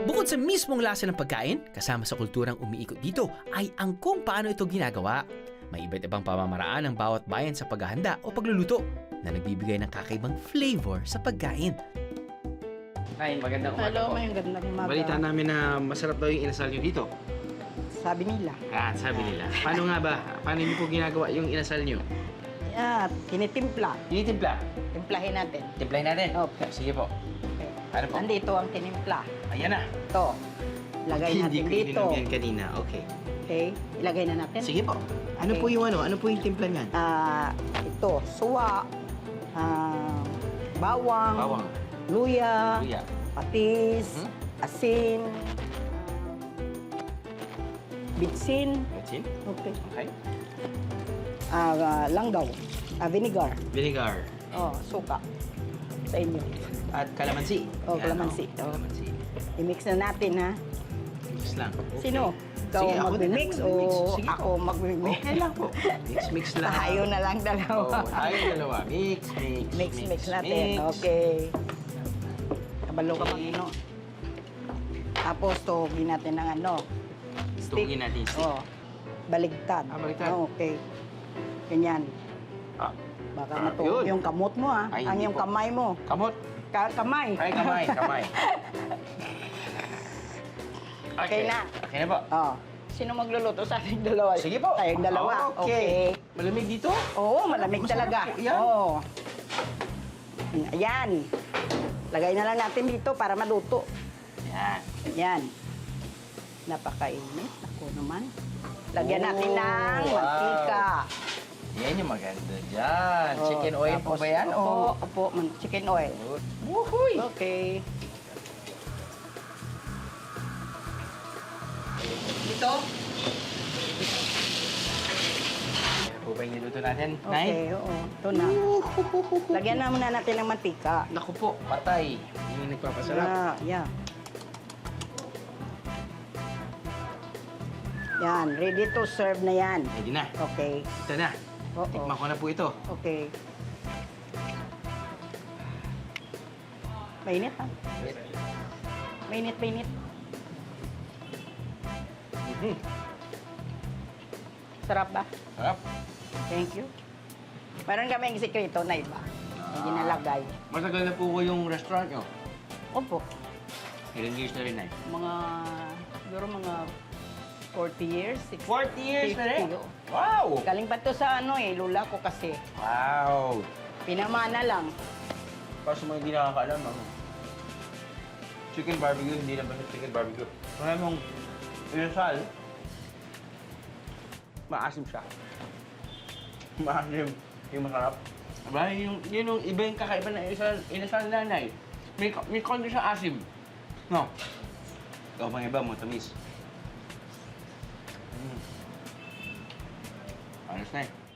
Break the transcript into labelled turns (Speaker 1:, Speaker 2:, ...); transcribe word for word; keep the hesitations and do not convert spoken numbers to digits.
Speaker 1: Bukod sa mismong lasa ng pagkain, kasama sa kulturang umiikot dito ay ang kung paano ito ginagawa. May iba't ibang pamamaraan ng bawat bayan sa paghahanda o pagluluto na nagbibigay ng kakaibang flavor sa pagkain.
Speaker 2: Nay, magandang umaga
Speaker 3: Hello,
Speaker 2: po.
Speaker 3: may gandang umaga.
Speaker 2: Balita namin na masarap daw yung inasal nyo dito.
Speaker 3: Sabi nila.
Speaker 2: Ah, sabi nila. Paano nga ba? Paano niyo po ginagawa yung inasal nyo?
Speaker 3: Yeah, tinitimpla.
Speaker 2: Tinitimpla.
Speaker 3: Timplahin natin.
Speaker 2: Timplahin natin?
Speaker 3: Okay.
Speaker 2: Sige po.
Speaker 3: Okay.
Speaker 2: Ano po?
Speaker 3: Nandito ang tinimpla.
Speaker 2: Ayan na.
Speaker 3: Ito. Ilagay natin
Speaker 2: Hindi ko
Speaker 3: dito.
Speaker 2: ininom yan kanina. Okay.
Speaker 3: Okay. Ilagay na natin.
Speaker 2: Sige po. Ano
Speaker 3: Okay.
Speaker 2: po yung ano? Ano po yung timpla niyan?
Speaker 3: Ah, ito, suwa, ah, bawang,
Speaker 2: Bawang.
Speaker 3: luya,
Speaker 2: Luya.
Speaker 3: patis,
Speaker 2: Mhm.
Speaker 3: asin, bitsin,
Speaker 2: Gatsin.
Speaker 3: okay.
Speaker 2: Okay.
Speaker 3: Ah, ah, langgaw, ah, vinegar,
Speaker 2: Vinegar.
Speaker 3: oh, suka sa inyo.
Speaker 2: At kalamansi.
Speaker 3: Oh,
Speaker 2: Yan,
Speaker 3: kalamansi.
Speaker 2: oh.
Speaker 3: Oh.
Speaker 2: Kalamansi.
Speaker 3: I-mix na natin, ha?
Speaker 2: Mix lang. Okay.
Speaker 3: Sino? Ikaw
Speaker 2: Sige, ako na lang
Speaker 3: mag-mix o
Speaker 2: mag-mix. Sige
Speaker 3: ako
Speaker 2: po.
Speaker 3: mag-mix?
Speaker 2: Okay lang po. Mix, mix lang.
Speaker 3: Tayo na lang
Speaker 2: Oh,
Speaker 3: dalawa.
Speaker 2: tayo dalawa. Mix, mix,
Speaker 3: mix, mix natin.
Speaker 2: mix.
Speaker 3: Okay. Kabalo ka
Speaker 2: Okay.
Speaker 3: pang ano. Tapos, tuhugin natin ng ano.
Speaker 2: Tuhugin natin yung stick.
Speaker 3: Oh, baligtad.
Speaker 2: Ah, baligtad.
Speaker 3: Oh, okay. Ganyan.
Speaker 2: Ah,
Speaker 3: Baka
Speaker 2: Ah,
Speaker 3: matuhog
Speaker 2: yun.
Speaker 3: yung kamot mo, ha?
Speaker 2: Ay,
Speaker 3: Ang
Speaker 2: hindi
Speaker 3: yung
Speaker 2: po.
Speaker 3: kamay mo.
Speaker 2: kamot.
Speaker 3: Ka kamay.
Speaker 2: Ay, kamay, kamay.
Speaker 3: Okay na.
Speaker 2: Okay na po.
Speaker 3: Oh. Sino magluluto sa ating dalawa?
Speaker 2: Sige po.
Speaker 3: Tayong dalawa.
Speaker 2: Okay. Malamig dito?
Speaker 3: Oo, malamig
Speaker 2: Masarap
Speaker 3: talaga.
Speaker 2: po yan.
Speaker 3: Oo. Ayan. Lagay na lang natin dito para maluto.
Speaker 2: Yan.
Speaker 3: Ayan. Napakainit. Ako naman. Lagyan natin
Speaker 2: Oh,
Speaker 3: ng
Speaker 2: wow.
Speaker 3: mantika.
Speaker 2: Yan yung maganda dyan.
Speaker 3: Oh,
Speaker 2: Chicken oil po
Speaker 3: tapos-
Speaker 2: ba yan?
Speaker 3: Opo,
Speaker 2: O?
Speaker 3: opo. man- Chicken oil.
Speaker 2: Wuhuy!
Speaker 3: Okay.
Speaker 2: Ito? Yan po ba yung niluto natin? Nay?
Speaker 3: Okay, oo. Ito na. Lagyan na muna natin ng mantika.
Speaker 2: Naku po, patay. Yun yung nagpapasarap.
Speaker 3: Yeah, yeah. Yan, ready to serve na yan.
Speaker 2: Ready na.
Speaker 3: Okay.
Speaker 2: Ito na.
Speaker 3: Oo.
Speaker 2: Tikman ko na po ito.
Speaker 3: Okay. Mainit ha? Mainit, mainit.
Speaker 2: Mhm.
Speaker 3: Sarap ba?
Speaker 2: Sarap.
Speaker 3: Thank you. Meron kami yung sekreto na iba. Yung ginalagay.
Speaker 2: Matagal na po ko yung restaurant nyo.
Speaker 3: Opo.
Speaker 2: Ilang years na rin, Nay?
Speaker 3: Mga, siguro mga forty years, sixty.
Speaker 2: forty years na rin?
Speaker 3: fifty, oh.
Speaker 2: Wow!
Speaker 3: Galing pa to sa ano eh, lula ko kasi.
Speaker 2: Wow!
Speaker 3: Pinamana lang.
Speaker 2: Para sa mga hindi nakakaalam, ano? Chicken barbecue, hindi naman sa chicken barbecue. Kaya mong inasal, maasim siya. Maasim, yung masarap. Diba? Yung, yun yung iba yung kakaiba na inasal, inasal nanay. May, may konti siya asim. No? Ikaw pang iba mo, tamis. Mm. Ayos na eh.